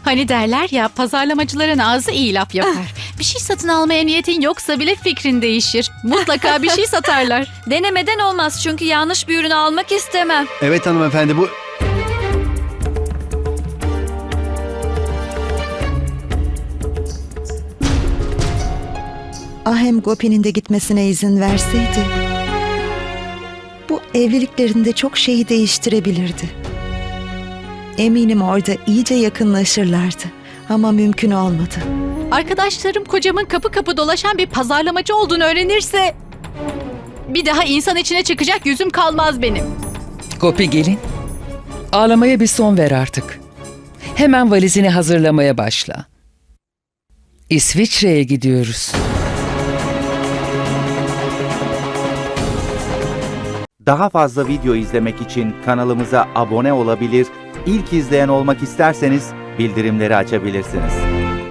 Hani derler ya, pazarlamacıların ağzı iyi laf yapar. Bir şey satın almaya niyetin yoksa bile fikrin değişir. Mutlaka bir şey satarlar. Denemeden olmaz çünkü yanlış bir ürünü almak istemem. Evet hanımefendi, bu... Ahem Gopi'nin de gitmesine izin verseydi, bu evliliklerinde çok şeyi değiştirebilirdi. Eminim orada iyice yakınlaşırlardı ama mümkün olmadı. Arkadaşlarım kocamın kapı kapı dolaşan bir pazarlamacı olduğunu öğrenirse... Bir daha insan içine çıkacak yüzüm kalmaz benim. Gopi gelin. Ağlamaya bir son ver artık. Hemen valizini hazırlamaya başla. İsviçre'ye gidiyoruz. Daha fazla video izlemek için kanalımıza abone olabilir, ilk izleyen olmak isterseniz bildirimleri açabilirsiniz.